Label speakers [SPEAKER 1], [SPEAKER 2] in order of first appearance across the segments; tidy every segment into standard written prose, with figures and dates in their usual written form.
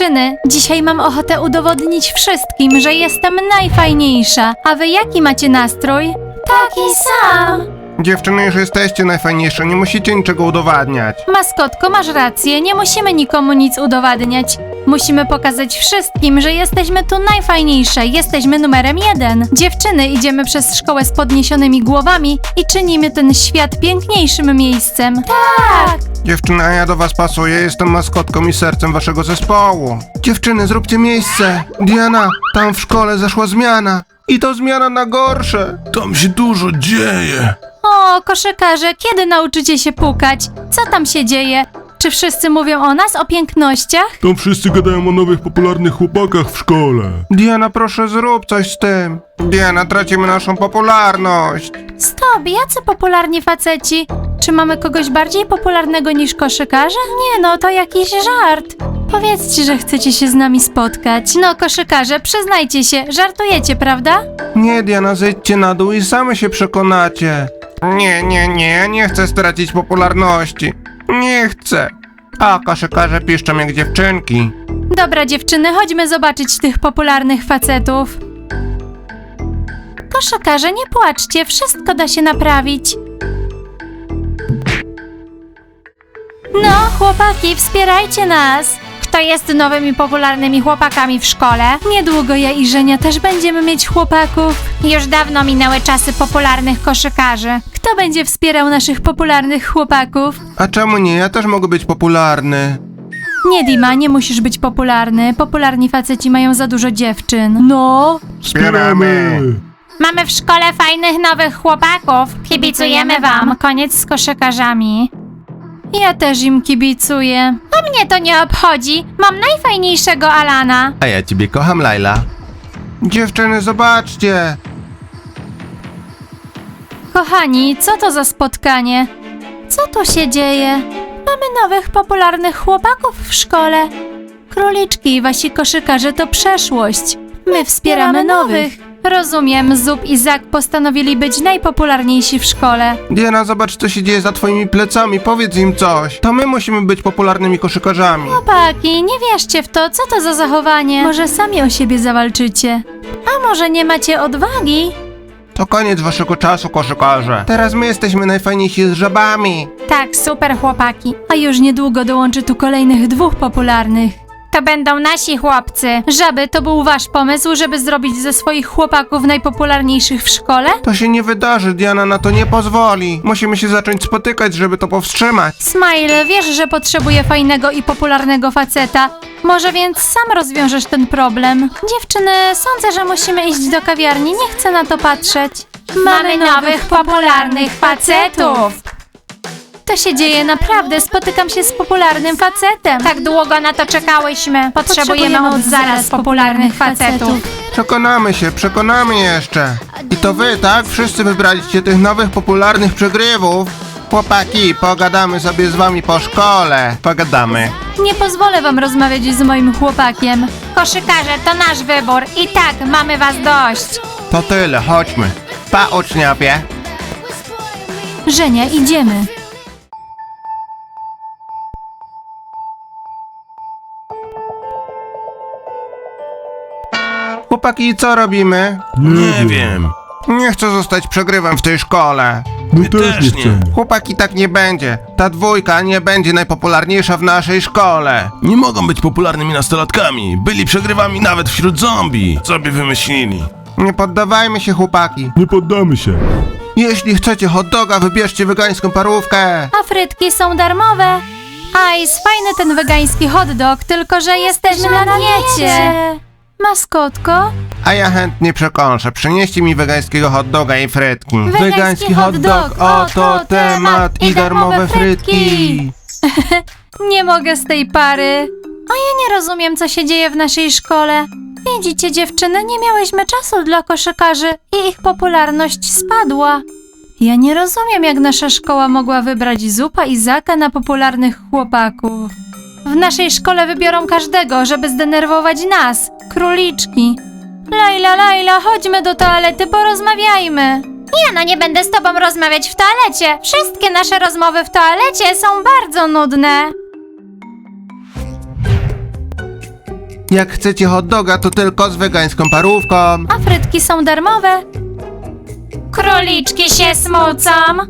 [SPEAKER 1] Dziewczyny, dzisiaj mam ochotę udowodnić wszystkim, że jestem najfajniejsza. A wy jaki macie nastrój? Taki sam.
[SPEAKER 2] Dziewczyny, już jesteście najfajniejsze, nie musicie niczego udowadniać.
[SPEAKER 1] Maskotko, masz rację, nie musimy nikomu nic udowadniać. Musimy pokazać wszystkim, że jesteśmy tu najfajniejsze, jesteśmy numerem 1. Dziewczyny, idziemy przez szkołę z podniesionymi głowami i czynimy ten świat piękniejszym miejscem. Tak!
[SPEAKER 2] Dziewczyny, a ja do was pasuję, jestem maskotką i sercem waszego zespołu. Dziewczyny, zróbcie miejsce. Diana, tam w szkole zaszła zmiana. I to zmiana na gorsze.
[SPEAKER 3] Tam się dużo dzieje.
[SPEAKER 1] O, koszykarze, kiedy nauczycie się pukać? Co tam się dzieje? Czy wszyscy mówią o nas, o pięknościach?
[SPEAKER 3] Tam wszyscy gadają o nowych, popularnych chłopakach w szkole.
[SPEAKER 2] Diana, proszę zrób coś z tym. Diana, tracimy naszą popularność.
[SPEAKER 1] Stop, jacy popularni faceci? Czy mamy kogoś bardziej popularnego niż koszykarze? Nie no, to jakiś żart. Powiedzcie, że chcecie się z nami spotkać. No, koszykarze, przyznajcie się, żartujecie, prawda?
[SPEAKER 2] Nie, Diana, zejdźcie na dół i same się przekonacie. Nie chcę stracić popularności. Nie chcę. A koszykarze piszczą jak dziewczynki.
[SPEAKER 1] Dobra, dziewczyny, chodźmy zobaczyć tych popularnych facetów. Koszykarze, nie płaczcie, wszystko da się naprawić. No, chłopaki, wspierajcie nas! Kto jest nowymi popularnymi chłopakami w szkole? Niedługo ja i Żenia też będziemy mieć chłopaków. Już dawno minęły czasy popularnych koszykarzy. Kto będzie wspierał naszych popularnych chłopaków?
[SPEAKER 2] A czemu nie? Ja też mogę być popularny.
[SPEAKER 1] Nie, Dima, nie musisz być popularny. Popularni faceci mają za dużo dziewczyn. No.
[SPEAKER 2] Wspieramy.
[SPEAKER 1] Mamy w szkole fajnych nowych chłopaków. Kibicujemy wam. Koniec z koszykarzami. Ja też im kibicuję. A mnie to nie obchodzi. Mam najfajniejszego Alana.
[SPEAKER 2] A ja ciebie kocham, Laila. Dziewczyny, zobaczcie.
[SPEAKER 1] Kochani, co to za spotkanie? Co tu się dzieje? Mamy nowych popularnych chłopaków w szkole. Króliczki, wasi koszykarze to przeszłość. My wspieramy nowych. Rozumiem, Zup i Zak postanowili być najpopularniejsi w szkole.
[SPEAKER 2] Diana, zobacz, co się dzieje za twoimi plecami. Powiedz im coś. To my musimy być popularnymi koszykarzami.
[SPEAKER 1] Chłopaki, nie wierzcie w to, co to za zachowanie? Może sami o siebie zawalczycie? A może nie macie odwagi?
[SPEAKER 2] To koniec waszego czasu, koszykarze. Teraz my jesteśmy najfajniejsi z żabami.
[SPEAKER 1] Tak, super chłopaki. A już niedługo dołączy tu kolejnych 2 popularnych. To będą nasi chłopcy. Żaby, to był wasz pomysł, żeby zrobić ze swoich chłopaków najpopularniejszych w szkole?
[SPEAKER 2] To się nie wydarzy, Diana na to nie pozwoli. Musimy się zacząć spotykać, żeby to powstrzymać.
[SPEAKER 1] Smile, wiesz, że potrzebuję fajnego i popularnego faceta. Może więc sam rozwiążesz ten problem. Dziewczyny, sądzę, że musimy iść do kawiarni. Nie chcę na to patrzeć. Mamy nowych popularnych facetów. To się dzieje naprawdę, spotykam się z popularnym facetem. Tak długo na to czekałyśmy. Potrzebujemy od zaraz popularnych facetów.
[SPEAKER 2] Przekonamy jeszcze. I to wy, tak? Wszyscy wybraliście tych nowych, popularnych przegrywów. Chłopaki, pogadamy sobie z wami po szkole. Pogadamy.
[SPEAKER 1] Nie pozwolę wam rozmawiać z moim chłopakiem. Koszykarze, to nasz wybór. I tak, mamy was dość.
[SPEAKER 2] To tyle, chodźmy. Pa, uczniowie.
[SPEAKER 1] Żenia, idziemy.
[SPEAKER 2] Chłopaki, co robimy?
[SPEAKER 3] Nie wiem.
[SPEAKER 2] Nie chcę zostać przegrywem w tej szkole.
[SPEAKER 3] My też nie chcemy.
[SPEAKER 2] Chłopaki, tak nie będzie. Ta dwójka nie będzie najpopularniejsza w naszej szkole.
[SPEAKER 3] Nie mogą być popularnymi nastolatkami. Byli przegrywami nawet wśród zombie. Co by wymyślili?
[SPEAKER 2] Nie poddawajmy się, chłopaki.
[SPEAKER 3] Nie poddamy się.
[SPEAKER 2] Jeśli chcecie hot doga, wybierzcie wegańską parówkę.
[SPEAKER 1] A frytki są darmowe. Ice, fajny ten wegański hot dog, tylko że jesteśmy na diecie. Maskotko?
[SPEAKER 2] A ja chętnie przekąszę. Przynieście mi wegańskiego hot doga i frytki.
[SPEAKER 1] Wegański hot dog, oto temat i darmowe frytki. Nie mogę z tej pary. A ja nie rozumiem, co się dzieje w naszej szkole. Widzicie, dziewczyny, nie miałyśmy czasu dla koszykarzy i ich popularność spadła. Ja nie rozumiem, jak nasza szkoła mogła wybrać Zupa i Zaka na popularnych chłopaków. W naszej szkole wybiorą każdego, żeby zdenerwować nas, króliczki. Laila, chodźmy do toalety, porozmawiajmy. Ja nie będę z tobą rozmawiać w toalecie. Wszystkie nasze rozmowy w toalecie są bardzo nudne.
[SPEAKER 2] Jak chcecie hot doga, to tylko z wegańską parówką.
[SPEAKER 1] A frytki są darmowe. Króliczki się smucą.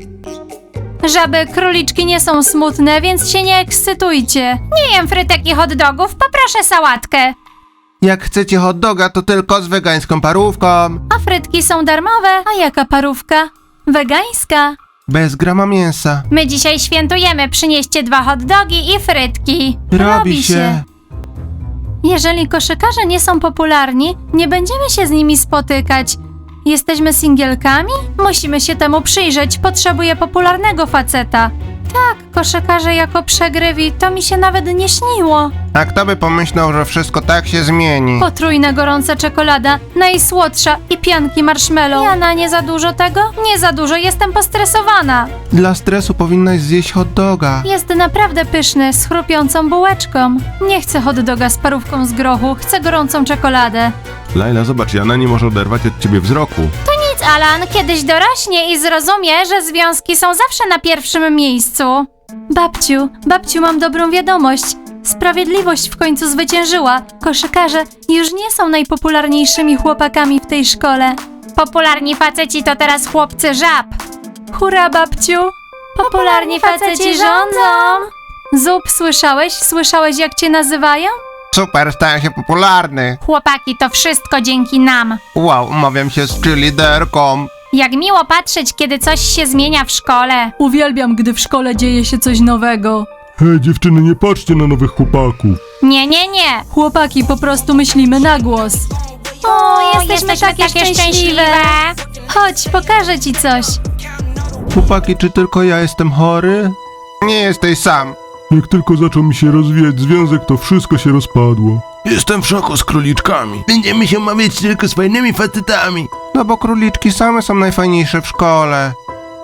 [SPEAKER 1] Żaby króliczki nie są smutne, więc się nie ekscytujcie. Nie jem frytek i hot dogów, poproszę sałatkę.
[SPEAKER 2] Jak chcecie hot doga, to tylko z wegańską parówką.
[SPEAKER 1] A frytki są darmowe. A jaka parówka? Wegańska.
[SPEAKER 2] Bez grama mięsa.
[SPEAKER 1] My dzisiaj świętujemy, przynieście 2 hot dogi i frytki.
[SPEAKER 2] Robi się.
[SPEAKER 1] Jeżeli koszykarze nie są popularni, nie będziemy się z nimi spotykać. Jesteśmy singielkami? Musimy się temu przyjrzeć. Potrzebuję popularnego faceta. Tak, koszykarze jako przegrywi, to mi się nawet nie śniło.
[SPEAKER 2] A kto by pomyślał, że wszystko tak się zmieni?
[SPEAKER 1] Potrójna gorąca czekolada, najsłodsza i pianki marshmallow. Jana, nie za dużo tego? Nie za dużo, jestem postresowana.
[SPEAKER 2] Dla stresu powinnaś zjeść hot doga.
[SPEAKER 1] Jest naprawdę pyszny, z chrupiącą bułeczką. Nie chcę hot doga z parówką z grochu, chcę gorącą czekoladę.
[SPEAKER 3] Laila, zobacz, Jana nie może oderwać od ciebie wzroku.
[SPEAKER 1] Nic, Alan, kiedyś dorośnie i zrozumie, że związki są zawsze na pierwszym miejscu. Babciu, mam dobrą wiadomość. Sprawiedliwość w końcu zwyciężyła. Koszykarze już nie są najpopularniejszymi chłopakami w tej szkole. Popularni faceci to teraz chłopcy żab. Hurra, babciu! Popularni faceci rządzą! Zup, słyszałeś? Słyszałeś, jak cię nazywają?
[SPEAKER 2] Super, stałem się popularny.
[SPEAKER 1] Chłopaki, to wszystko dzięki nam.
[SPEAKER 2] Wow, umawiam się z cheerleaderką.
[SPEAKER 1] Jak miło patrzeć, kiedy coś się zmienia w szkole.
[SPEAKER 4] Uwielbiam, gdy w szkole dzieje się coś nowego.
[SPEAKER 3] Hej, dziewczyny, nie patrzcie na nowych chłopaków.
[SPEAKER 1] Nie.
[SPEAKER 4] Chłopaki, po prostu myślimy na głos.
[SPEAKER 1] O, jesteśmy takie szczęśliwe. Chodź, pokażę ci coś.
[SPEAKER 2] Chłopaki, czy tylko ja jestem chory? Nie jesteś sam.
[SPEAKER 5] Jak tylko zaczął mi się rozwijać związek, to wszystko się rozpadło.
[SPEAKER 3] Jestem w szoku z króliczkami. Będziemy się umawiać tylko z fajnymi facetami.
[SPEAKER 2] No bo króliczki same są najfajniejsze w szkole.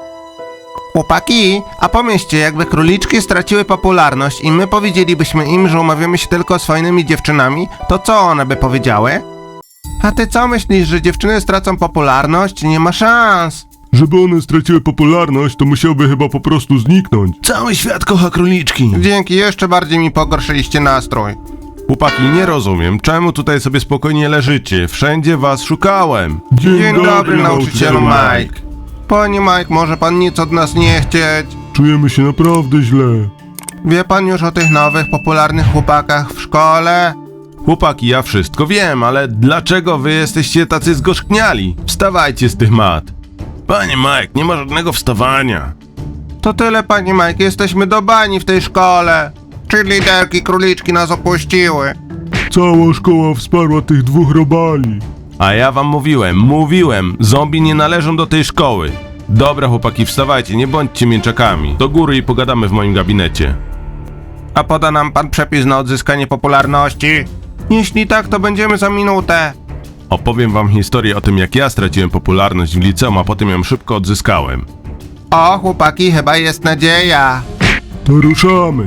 [SPEAKER 2] Chłopaki, a pomyślcie, jakby króliczki straciły popularność i my powiedzielibyśmy im, że umawiamy się tylko z fajnymi dziewczynami, to co one by powiedziały? A ty co myślisz, że dziewczyny stracą popularność? Nie ma szans.
[SPEAKER 5] Żeby one straciły popularność, to musiałby chyba po prostu zniknąć.
[SPEAKER 3] Cały świat kocha króliczki.
[SPEAKER 2] Dzięki, jeszcze bardziej mi pogorszyliście nastrój.
[SPEAKER 3] Chłopaki, nie rozumiem, czemu tutaj sobie spokojnie leżycie? Wszędzie was szukałem.
[SPEAKER 2] Dzień dobry, nauczycielu Mike. Panie Mike, może pan nic od nas nie chcieć?
[SPEAKER 5] Czujemy się naprawdę źle.
[SPEAKER 2] Wie pan już o tych nowych, popularnych chłopakach w szkole?
[SPEAKER 3] Chłopaki, ja wszystko wiem, ale dlaczego wy jesteście tacy zgorzkniali? Wstawajcie z tych mat. Panie Mike, nie ma żadnego wstawania.
[SPEAKER 2] To tyle, panie Mike, jesteśmy do bani w tej szkole. Cheerleaderki, króliczki nas opuściły.
[SPEAKER 5] Cała szkoła wsparła tych 2 robali.
[SPEAKER 3] A ja wam mówiłem, zombie nie należą do tej szkoły. Dobra chłopaki, wstawajcie, nie bądźcie mięczakami. Do góry i pogadamy w moim gabinecie.
[SPEAKER 2] A poda nam pan przepis na odzyskanie popularności? Jeśli tak, to będziemy za minutę.
[SPEAKER 3] Opowiem wam historię o tym, jak ja straciłem popularność w liceum, a potem ją szybko odzyskałem.
[SPEAKER 2] O, chłopaki, chyba jest nadzieja.
[SPEAKER 5] To ruszamy.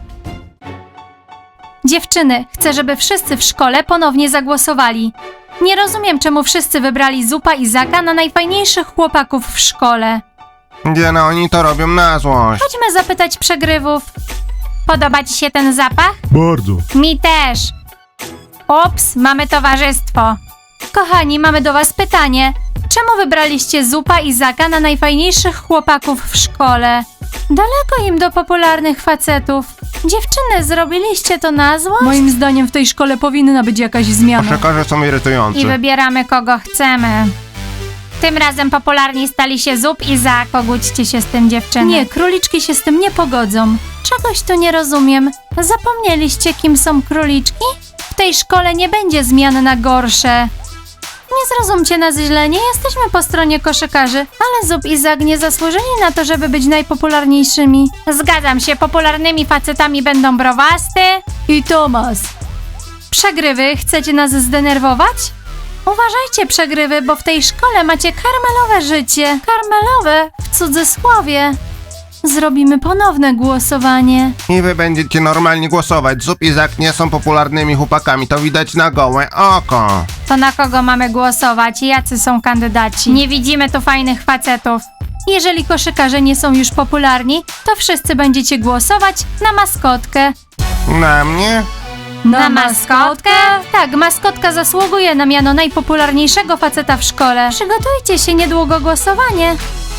[SPEAKER 1] Dziewczyny, chcę, żeby wszyscy w szkole ponownie zagłosowali. Nie rozumiem, czemu wszyscy wybrali Zupa i Zaka na najfajniejszych chłopaków w szkole.
[SPEAKER 2] Diana, oni to robią na złość.
[SPEAKER 1] Chodźmy zapytać przegrywów. Podoba ci się ten zapach?
[SPEAKER 5] Bardzo.
[SPEAKER 1] Mi też. Ups, mamy towarzystwo. Kochani, mamy do was pytanie. Czemu wybraliście Zupa i Zaka na najfajniejszych chłopaków w szkole? Daleko im do popularnych facetów. Dziewczyny, zrobiliście to na złość?
[SPEAKER 4] Moim zdaniem w tej szkole powinna być jakaś zmiana.
[SPEAKER 2] Koszykarze są irytujący.
[SPEAKER 1] I wybieramy kogo chcemy. Tym razem popularni stali się Zup i Zak. Pogódźcie się z tym, dziewczyny.
[SPEAKER 4] Nie, króliczki się z tym nie pogodzą.
[SPEAKER 1] Czegoś tu nie rozumiem. Zapomnieliście, kim są króliczki? W tej szkole nie będzie zmian na gorsze. Nie zrozumcie nas źle, nie jesteśmy po stronie koszykarzy, ale Zup i Zak nie zasłużyli na to, żeby być najpopularniejszymi. Zgadzam się, popularnymi facetami będą Browasty
[SPEAKER 4] I Tomas.
[SPEAKER 1] Przegrywy, chcecie nas zdenerwować? Uważajcie, przegrywy, bo w tej szkole macie karmelowe życie. Karmelowe w cudzysłowie. Zrobimy ponowne głosowanie.
[SPEAKER 2] I wy będziecie normalnie głosować. Zup i Zak nie są popularnymi chłopakami, to widać na gołe oko.
[SPEAKER 1] To na kogo mamy głosować? Jacy są kandydaci? Nie widzimy tu fajnych facetów. Jeżeli koszykarze nie są już popularni, to wszyscy będziecie głosować na maskotkę.
[SPEAKER 2] Na mnie?
[SPEAKER 1] Na maskotkę? Tak, maskotka zasługuje na miano najpopularniejszego faceta w szkole. Przygotujcie się, niedługo głosowanie.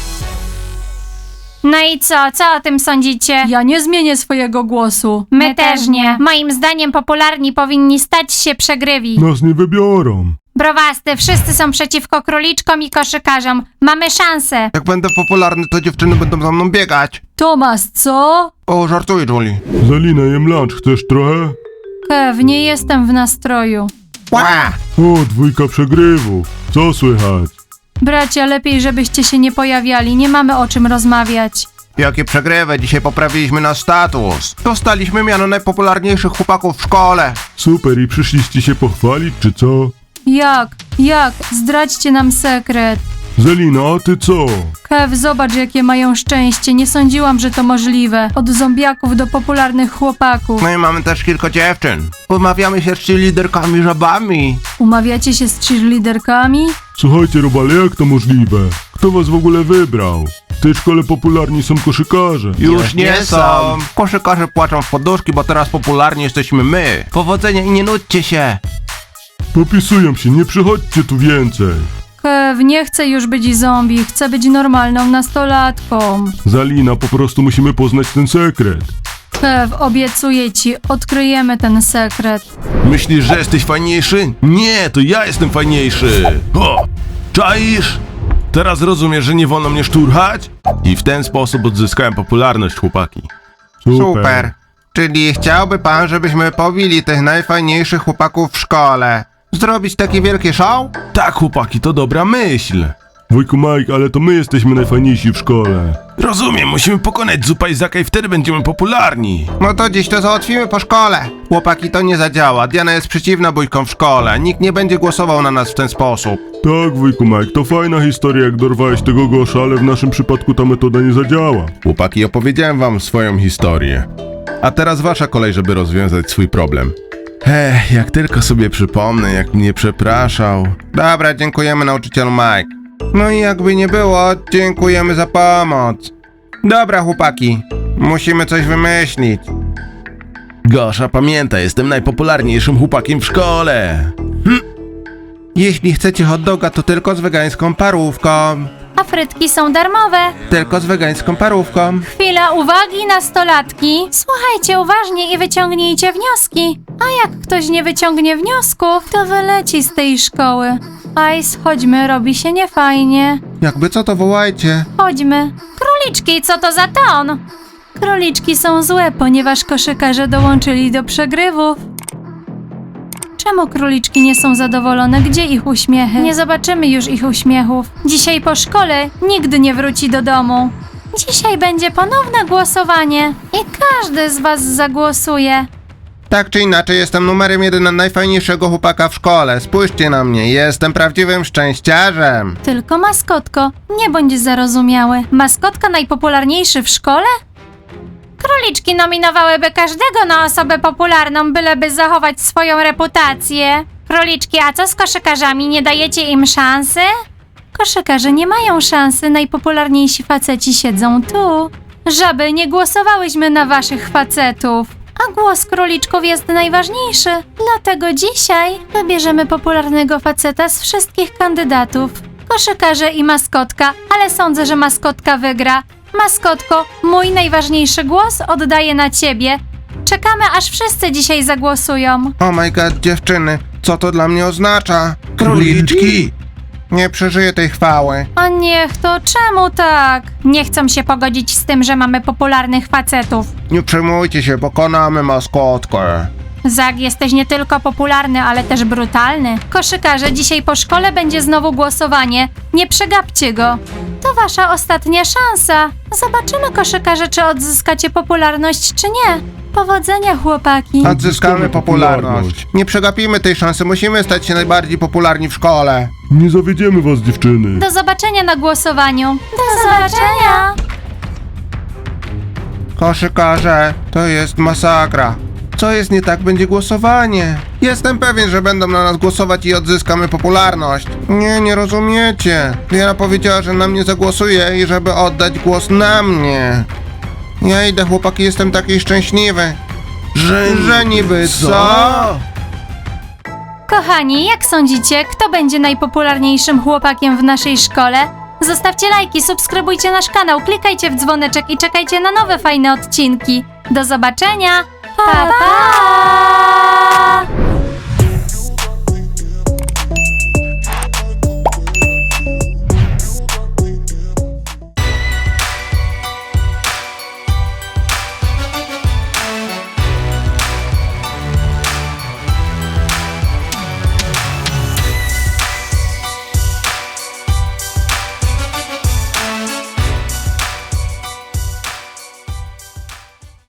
[SPEAKER 1] No i co o tym sądzicie?
[SPEAKER 4] Ja nie zmienię swojego głosu.
[SPEAKER 1] My też nie. Moim zdaniem popularni powinni stać się przegrywi.
[SPEAKER 5] Nas nie wybiorą.
[SPEAKER 1] Browasty, wszyscy są przeciwko króliczkom i koszykarzom. Mamy szansę.
[SPEAKER 2] Jak będę popularny, to dziewczyny będą za mną biegać.
[SPEAKER 4] Tomas, co?
[SPEAKER 2] O, żartuję, Julie.
[SPEAKER 5] Zalina, jem lunch, chcesz trochę?
[SPEAKER 4] Kev, nie jestem w nastroju.
[SPEAKER 2] Ła!
[SPEAKER 5] O, 2 przegrywów. Co słychać?
[SPEAKER 4] Bracia, lepiej żebyście się nie pojawiali, nie mamy o czym rozmawiać.
[SPEAKER 2] Jakie przegrywy, dzisiaj poprawiliśmy nasz status. Dostaliśmy miano najpopularniejszych chłopaków w szkole.
[SPEAKER 5] Super, i przyszliście się pochwalić, czy co?
[SPEAKER 4] Jak? Zdradźcie nam sekret.
[SPEAKER 5] Zalina, a ty co?
[SPEAKER 4] Kev, zobacz jakie mają szczęście, nie sądziłam, że to możliwe. Od zombiaków do popularnych chłopaków.
[SPEAKER 2] No i mamy też kilka dziewczyn. Umawiamy się z liderkami żabami.
[SPEAKER 4] Umawiacie się z cheerleaderkami?
[SPEAKER 5] Słuchajcie, robale, jak to możliwe? Kto was w ogóle wybrał? W tej szkole popularni są koszykarze.
[SPEAKER 2] Już nie są. Koszykarze płaczą w poduszki, bo teraz popularni jesteśmy my. Powodzenia i nie nudźcie się.
[SPEAKER 5] Popisują się, nie przychodźcie tu więcej.
[SPEAKER 4] Kev, nie chcę już być zombie, chcę być normalną nastolatką.
[SPEAKER 5] Zalina, po prostu musimy poznać ten sekret.
[SPEAKER 4] Kev, obiecuję ci, odkryjemy ten sekret.
[SPEAKER 3] Myślisz, że jesteś fajniejszy? Nie, to ja jestem fajniejszy. O, czaisz? Teraz rozumiesz, że nie wolno mnie szturchać? I w ten sposób odzyskałem popularność, chłopaki.
[SPEAKER 2] Super. Czyli chciałby pan, żebyśmy pobili tych najfajniejszych chłopaków w szkole? Zrobić takie wielkie show?
[SPEAKER 3] Tak, chłopaki, to dobra myśl.
[SPEAKER 5] Wujku Mike, ale to my jesteśmy najfajniejsi w szkole.
[SPEAKER 3] Rozumiem, musimy pokonać Zupa i Zaka i wtedy będziemy popularni.
[SPEAKER 2] No to dziś to załatwimy po szkole. Chłopaki, to nie zadziała. Diana jest przeciwna bójkom w szkole. Nikt nie będzie głosował na nas w ten sposób.
[SPEAKER 5] Tak, wujku Mike, to fajna historia, jak dorwałeś tego Gosza, ale w naszym przypadku ta metoda nie zadziała.
[SPEAKER 3] Chłopaki, opowiedziałem wam swoją historię. A teraz wasza kolej, żeby rozwiązać swój problem. Jak tylko sobie przypomnę, jak mnie przepraszał.
[SPEAKER 2] Dobra, dziękujemy nauczycielu Mike. No i jakby nie było, dziękujemy za pomoc. Dobra, chłopaki. Musimy coś wymyślić.
[SPEAKER 3] Gosza, pamiętaj, jestem najpopularniejszym chłopakiem w szkole.
[SPEAKER 2] Jeśli chcecie hot doga, to tylko z wegańską parówką.
[SPEAKER 1] A frytki są darmowe.
[SPEAKER 2] Tylko z wegańską parówką.
[SPEAKER 1] Chwila uwagi, nastolatki. Słuchajcie uważnie i wyciągnijcie wnioski. A jak ktoś nie wyciągnie wniosków, to wyleci z tej szkoły. Ice, chodźmy, robi się niefajnie.
[SPEAKER 2] Jakby co, to wołajcie.
[SPEAKER 1] Chodźmy. Króliczki, co to za ton?
[SPEAKER 4] Króliczki są złe, ponieważ koszykarze dołączyli do przegrywów. Czemu króliczki nie są zadowolone? Gdzie ich uśmiechy?
[SPEAKER 1] Nie zobaczymy już ich uśmiechów. Dzisiaj po szkole nigdy nie wróci do domu. Dzisiaj będzie ponowne głosowanie i każdy z was zagłosuje.
[SPEAKER 2] Tak czy inaczej, jestem numerem 1 najfajniejszego chłopaka w szkole. Spójrzcie na mnie, jestem prawdziwym szczęściarzem.
[SPEAKER 1] Tylko maskotko, nie bądź zarozumiały. Maskotka najpopularniejszy w szkole? Króliczki nominowałyby każdego na osobę popularną, byleby zachować swoją reputację. Króliczki, a co z koszykarzami? Nie dajecie im szansy?
[SPEAKER 4] Koszykarze nie mają szansy, najpopularniejsi faceci siedzą tu.
[SPEAKER 1] Żaby, nie głosowałyśmy na waszych facetów. A głos króliczków jest najważniejszy. Dlatego dzisiaj wybierzemy popularnego faceta z wszystkich kandydatów. Koszykarze i maskotka, ale sądzę, że maskotka wygra. Maskotko, mój najważniejszy głos oddaję na ciebie. Czekamy, aż wszyscy dzisiaj zagłosują.
[SPEAKER 2] Oh my god, dziewczyny, co to dla mnie oznacza?
[SPEAKER 3] Króliczki!
[SPEAKER 2] Nie przeżyję tej chwały.
[SPEAKER 1] A niech to, czemu tak? Nie chcą się pogodzić z tym, że mamy popularnych facetów.
[SPEAKER 2] Nie przejmujcie się, pokonamy maskotkę.
[SPEAKER 1] Zag, jesteś nie tylko popularny, ale też brutalny. Koszykarze, dzisiaj po szkole będzie znowu głosowanie. Nie przegapcie go. To wasza ostatnia szansa. Zobaczymy, koszykarze, czy odzyskacie popularność, czy nie. Powodzenia, chłopaki.
[SPEAKER 2] Odzyskamy popularność. Nie przegapimy tej szansy, musimy stać się najbardziej popularni w szkole.
[SPEAKER 5] Nie zawiedziemy was, dziewczyny.
[SPEAKER 1] Do zobaczenia na głosowaniu. Do zobaczenia.
[SPEAKER 2] Koszykarze, to jest masakra. Co jest nie tak, będzie głosowanie. Jestem pewien, że będą na nas głosować i odzyskamy popularność. Nie rozumiecie. Diana powiedziała, że na mnie zagłosuje i żeby oddać głos na mnie. Ja idę, chłopaki, jestem taki szczęśliwy. Że niby co?
[SPEAKER 1] Kochani, jak sądzicie, kto będzie najpopularniejszym chłopakiem w naszej szkole? Zostawcie lajki, subskrybujcie nasz kanał, klikajcie w dzwoneczek i czekajcie na nowe fajne odcinki. Do zobaczenia! Pa, pa!